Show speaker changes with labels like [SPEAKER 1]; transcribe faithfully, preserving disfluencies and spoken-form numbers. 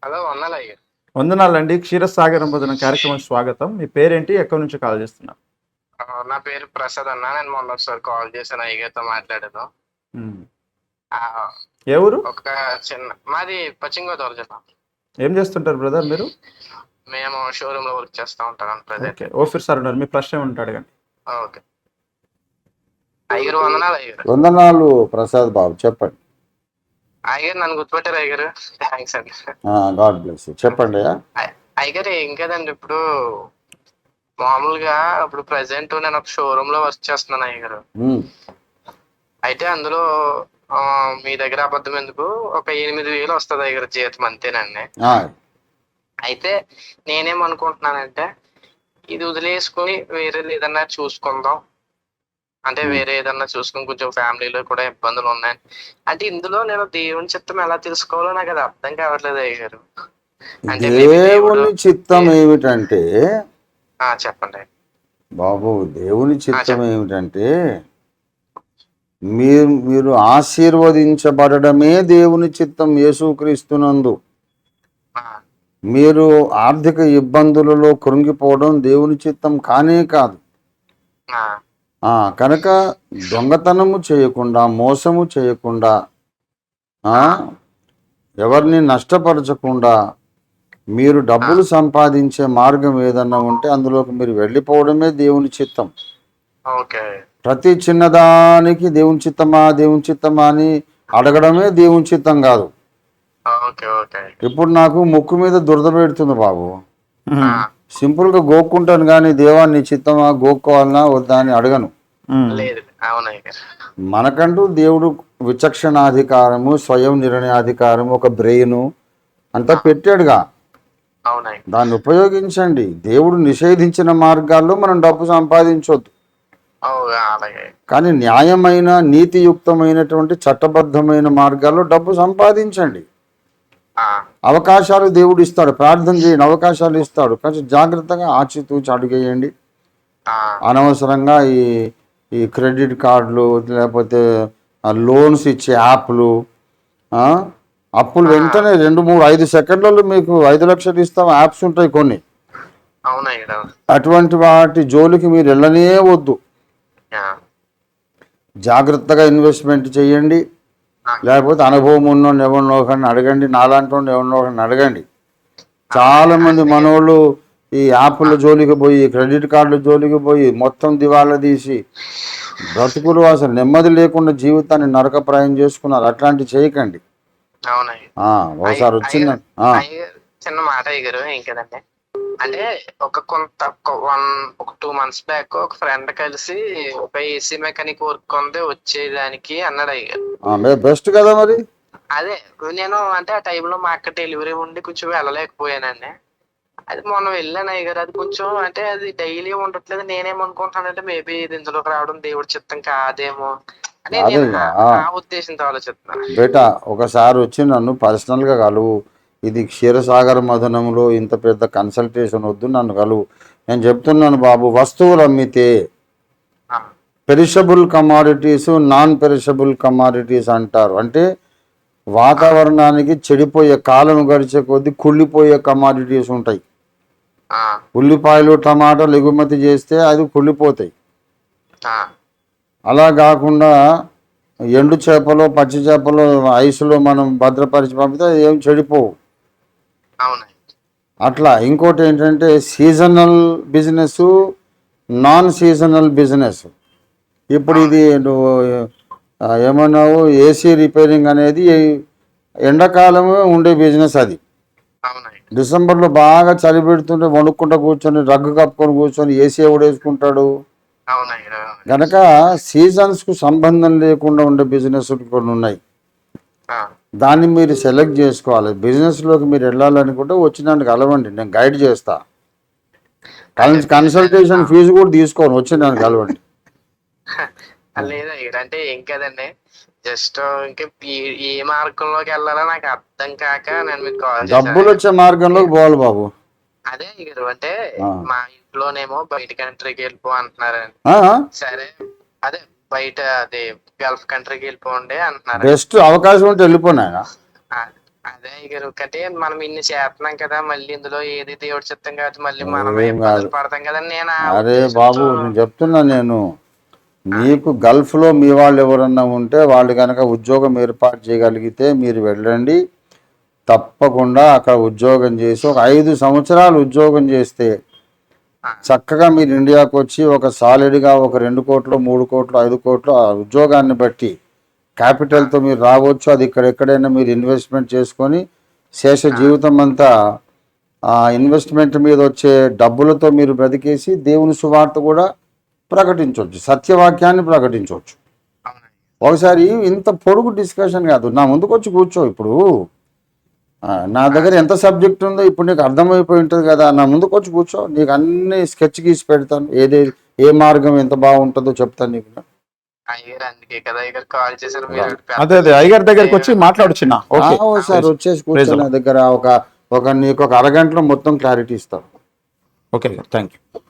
[SPEAKER 1] Hello వందనాలు అయ్యారు.
[SPEAKER 2] వందనాలండి. క్షీరసాగరం భోజనం కార్యక్రమం స్వాగతం. మీ పేరేంటి? ఎక్కడి నుంచి కాల్ చేస్తున్నారు?
[SPEAKER 1] ఆ, నా పేరు ప్రసాద్ అన్న. నేను మొన్న ఒకసారి కాల్ చేశాను, అయ్యగారితో మాట్లాడాను.
[SPEAKER 2] ఉమ్.
[SPEAKER 1] ఆ,
[SPEAKER 2] ఏ ఊరు?
[SPEAKER 1] ఒక చిన్న మాది పశ్చిమ గోదావరి జిల్లా.
[SPEAKER 2] ఏం చేస్తుంటారు బ్రదర్ మీరు?
[SPEAKER 1] మేము షోరూమ్ లో వర్క్ చేస్తూ ఉంటాం ప్రజెంట్.
[SPEAKER 2] ఓకే, ఓఫీర్ సార్ ఉన్నారు. మీ ప్రశ్న ఏమి అడగండి.
[SPEAKER 1] ఓకే అయ్యగారు, వందనాలు అయ్యగారు.
[SPEAKER 3] వందనాలు ప్రసాద్ బాబు, చెప్పండి.
[SPEAKER 1] అయ్యగారు నన్ను గుర్తుపెట్టారు అయ్యగారు. థ్యాంక్స్ అండి.
[SPEAKER 3] God bless you. చెప్పండి.
[SPEAKER 1] అయ్- అయ్యగారు ఏం కదండి, ఇప్పుడు మామూలుగా ఇప్పుడు ప్రజెంట్ నేను ఒక షోరూమ్ లో వర్క్ చేస్తున్నాను అయ్యగారు.
[SPEAKER 3] ఉమ్,
[SPEAKER 1] అయితే అందులో ఆ, మీ దగ్గర అబద్ధం ఎందుకు, ఒక ఎనిమిది వేలు వస్తుంది అయ్యగారు జీతం, అంతేనండి.
[SPEAKER 3] ఆ,
[SPEAKER 1] అయితే నేనేమనుకుంటున్నానంటే ఇది వదిలేసుకుని వేరేది ఏదన్నా చూసుకుందాం, అంటే
[SPEAKER 3] Hmm.
[SPEAKER 1] వేరే ఏదన్నా చూసుకుని, కొంచెం ఫ్యామిలీలో కూడా ఇబ్బందులు ఉన్నాయి. అంటే ఇందులో నేను దేవుని చిత్తం ఎలా తెలుసుకోవాలో నాకు అది అర్థం కావట్లేదు అయ్యారు. అంటే maybe దేవుడు
[SPEAKER 3] దేవుని చిత్తం ఏమిటంటే
[SPEAKER 1] ఆ, చెప్పండి.
[SPEAKER 3] బాబు, దేవుని చిత్తం
[SPEAKER 1] చెప్పండి.
[SPEAKER 3] ఏమిటంటే మీరు మీరు ఆశీర్వదించబడమే దేవుని చిత్తం. యేసుక్రీస్తునందు
[SPEAKER 1] ఆ,
[SPEAKER 3] మీరు ఆర్థిక ఇబ్బందులలో కృంగిపోవడం దేవుని చిత్తం కానే కాదు.
[SPEAKER 1] ఆ,
[SPEAKER 3] ఆ, కనుక దొంగతనము చేయకుండా, మోసము చేయకుండా, ఆ, ఎవరిని నష్టపరచకుండా మీరు డబ్బులు సంపాదించే మార్గం ఏదన్నా ఉంటే అందులోకి మీరు వెళ్ళిపోవడమే దేవుని చిత్తం.
[SPEAKER 1] ఓకే
[SPEAKER 3] ప్రతి చిన్నదానికి దేవుని చిత్తమా దేవుని చిత్తమా అని అడగడమే దేవుని చిత్తం కాదు.
[SPEAKER 1] ఓకే ఓకే
[SPEAKER 3] ఇప్పుడు నాకు ముక్కు మీద దురద పెడుతుంది బాబు,
[SPEAKER 1] ఆ,
[SPEAKER 3] సింపుల్గా గోక్కుంటాను కానీ దేవా నీ చిత్తమా, గోక్కోవాలన్నా వద్దా అని అడగను.
[SPEAKER 1] లేదు, అవునయ్య.
[SPEAKER 3] మనకంటూ దేవుడు విచక్షణాధికారము, స్వయం నిర్ణయాధికారము, ఒక బ్రెయిన్ అంతా పెట్టాడుగా.
[SPEAKER 1] అవునయ్య.
[SPEAKER 3] దాన్ని ఉపయోగించండి. దేవుడు నిషేధించిన మార్గాల్లో మనం డబ్బు సంపాదించవద్దు,
[SPEAKER 1] అలాగే.
[SPEAKER 3] కానీ న్యాయమైన, నీతియుక్తమైనటువంటి చట్టబద్ధమైన మార్గాల్లో డబ్బు సంపాదించండి.
[SPEAKER 1] ఆ,
[SPEAKER 3] అవకాశాలు దేవుడు ఇస్తాడు, ప్రార్థన చేయండి, అవకాశాలు ఇస్తాడు. కొంచెం జాగ్రత్తగా ఆచితూచి అడుగేయండి.
[SPEAKER 1] ఆ,
[SPEAKER 3] అనవసరంగా ఈ ఈ క్రెడిట్ కార్డులు, లేకపోతే లోన్స్ ఇచ్చే యాప్లు, ఆ, అప్పులు వెంటనే రెండు మూడు ఐదు సెకండ్లలో మీకు ఐదు లక్షలు ఇస్తాం యాప్స్ ఉంటాయి కొన్ని.
[SPEAKER 1] అవునయ్య.
[SPEAKER 3] అటువంటి వాటి జోలికి మీరు వెళ్ళనే వద్దు.
[SPEAKER 1] ఆ,
[SPEAKER 3] జాగ్రత్తగా ఇన్వెస్ట్మెంట్ చేయండి. లేకపోతే అనుభవం ఉన్నోడిని ఎవరినో ఒకరిని అడగండి, నాలాంటి వాడిని ఎవరినో ఒకరిని అడగండి. చాలామంది మనోళ్ళు ఈ యాప్ల జోలికి పోయి, క్రెడిట్ కార్డుల జోలికి పోయి మొత్తం దివాలా తీసి బ్రతుకులు అసలు నెమ్మది లేకుండా జీవితాన్ని నరకప్రాయం చేసుకున్నారు. అట్లాంటివి చేయకండి.
[SPEAKER 1] అవునయ్య.
[SPEAKER 3] ఆ, ఒకసారి వచ్చిందండి.
[SPEAKER 1] అయ్య, చిన్న మాట అయ్యారు, ఏం కదండి. అంటే ఒక కొంత వన్ ఒక టూ మంత్స్ బ్యాక్ ఒక ఫ్రెండ్ కలిసి ఒక ఏసీ మెకానిక్ వర్క్ ఉంది వచ్చేదానికి అన్నాడు అయ్యారు.
[SPEAKER 3] బెస్ట్ కదా మరి.
[SPEAKER 1] అదే నేను అంటే ఆ టైంలో మా అక్క డెలివరీ ఉండి కొంచెం వెళ్ళలేకపోయానండి. అది మొన్న వెళ్ళాను అయ్యారు. అది కొంచెం అంటే అది డైలీ ఉండట్లేదు. నేనేమనుకుంటానంటే మేబీ ఇది ఇందులోకి రావడం దేవుడి చిత్తం కాదేమో అని నేను
[SPEAKER 3] అదేగా
[SPEAKER 1] ఆ ఉద్దేశంతో ఆలోచిస్తున్నాను.
[SPEAKER 3] బేటా, ఒకసారి వచ్చి నన్ను పర్సనల్గా కలువు. ఇది క్షీరసాగర మదనంలో ఇంత పెద్ద కన్సల్టేషన్ వద్దు, నన్ను కలువు. నేను చెప్తున్నాను బాబు, వస్తువులు అమ్మితే
[SPEAKER 1] ఆ,
[SPEAKER 3] perishable commodities, non perishable commodities అంటారు. అంటే వాతావరణానికి చెడిపోయే, కాలం గడిచే కొద్దీ కుళ్ళిపోయే కమాడిటీస్ ఉంటాయి.
[SPEAKER 1] ఆ,
[SPEAKER 3] ఉల్లిపాయలు, టమాటాలు ఎగుమతి చేస్తే అది కుళ్ళిపోతాయి.
[SPEAKER 1] ఆ,
[SPEAKER 3] అలా కాకుండా ఎండు చేపలు, పచ్చి చేపలు ఐసులో మనం భద్రపరిచి పంపితే అది ఏం చెడిపోవు.
[SPEAKER 1] అవును.
[SPEAKER 3] అట్లా ఇంకోటి ఏంటంటే seasonal business, non seasonal business. ఇప్పుడు ఇది నువ్వు ఆ, ఏమన్నావు, ఏసీ రిపేరింగ్ అనేది ఎండాకాలమే ఉండే బిజినెస్. అది
[SPEAKER 1] అవునయ్య.
[SPEAKER 3] డిసెంబర్లో బాగా చలి పెడుతుంటే వణుక్కుంటూ కూర్చొని రగ్గు కప్పుకొని కూర్చొని ఏసీ ఎవడేసుకుంటాడు.
[SPEAKER 1] అవునయ్య.
[SPEAKER 3] కనుక సీజన్స్కు సంబంధం లేకుండా ఉండే బిజినెస్ కొన్ని ఉన్నాయి.
[SPEAKER 1] ఆ,
[SPEAKER 3] దాన్ని మీరు సెలెక్ట్ చేసుకోవాలి. బిజినెస్లోకి మీరు వెళ్ళాలనుకుంటే వచ్చి నన్ను కలవండి, నేను గైడ్ చేస్తా. కన్ కన్సల్టేషన్ ఫీజు కూడా తీసుకోను, వచ్చి నన్ను కలవండి.
[SPEAKER 1] లేదయ్య, అంటే ఏం కదండి, జస్ట్ ఇంకా ఈ- ఏ మార్గంలోకి వెళ్ళాలో నాకు అర్థం కాక నేను మీకు కాల్
[SPEAKER 3] డబ్బులు
[SPEAKER 1] చేశాను.
[SPEAKER 3] వచ్చే మార్గంలోకి పోవాలి బాబు.
[SPEAKER 1] అదే అయ్యారు, అంటే
[SPEAKER 3] ఆ.
[SPEAKER 1] మా ఇంట్లోనేమో బయట కంట్రీకి వెళ్ళిపో అంటున్నారండి.
[SPEAKER 3] ఆ?
[SPEAKER 1] సరే, అదే బయట అదే గల్ఫ్ కంట్రీకి వెళ్ళిపోండి అంటున్నారు.
[SPEAKER 3] బెస్ట్ అవకాశం ఉంటే వెళ్ళిపోయినా.
[SPEAKER 1] ఆ, అదే అయ్యగారు అంటే మనం ఇన్ని చేస్తున్నాం కదా మళ్ళీ ఇందులో ఏది దేవుడి చిత్తం కాదు మళ్ళీ మనమే
[SPEAKER 3] ఏం
[SPEAKER 1] ఇబ్బందులు
[SPEAKER 3] కాదు.
[SPEAKER 1] పడతాం కదా నేను ఆ
[SPEAKER 3] అరే
[SPEAKER 1] ఉద్దేశంతో
[SPEAKER 3] బాబు నేను చెప్తున్నా, నేను మీకు గల్ఫ్లో మీ వాళ్ళు ఎవరన్నా ఉంటే వాళ్ళు కనుక ఉద్యోగం ఏర్పాటు చేయగలిగితే మీరు వెళ్ళండి. తప్పకుండా అక్కడ ఉద్యోగం చేసి ఒక ఐదు సంవత్సరాలు ఉద్యోగం చేస్తే చక్కగా మీరు ఇండియాకు వచ్చి ఒక సాలిడ్గా ఒక రెండు కోట్లు మూడు కోట్లు ఐదు కోట్లు ఆ ఉద్యోగాన్ని బట్టి క్యాపిటల్తో మీరు రావచ్చు. అది ఇక్కడెక్కడైనా మీరు ఇన్వెస్ట్మెంట్ చేసుకొని శేష జీవితం అంతా ఆ ఇన్వెస్ట్మెంట్ మీద వచ్చే డబ్బులతో మీరు బ్రతికేసి దేవుని సువార్త కూడా ప్రకటించవచ్చు, సత్యవాక్యాన్ని ప్రకటించవచ్చు. ఒకసారి ఇంత పొడుగు డిస్కషన్ కాదు, నా ముందుకు వచ్చి కూర్చో. ఇప్పుడు నా దగ్గర ఎంత సబ్జెక్ట్ ఉందో ఇప్పుడు నీకు అర్థమైపోయి ఉంటుంది కదా, నా ముందుకు వచ్చి కూర్చో, నీకు అన్ని స్కెచ్ గీసి పెడతాను. ఏదే ఏ మార్గం ఎంత బాగుంటుందో చెప్తాను నీకు.
[SPEAKER 1] అయ్యారు అందుకే కదా అయ్యారు కాల్ చేశారు మీరు
[SPEAKER 2] అదే అదే అయ్యగారి దగ్గరికి వచ్చి మాట్లాడు చిన్న. ఓకే
[SPEAKER 3] ఒకసారి వచ్చేసి కూర్చో నా దగ్గర, ఒక ఒక నీకు ఒక అరగంటలో మొత్తం క్లారిటీ ఇస్తాను.
[SPEAKER 2] Okay thank you.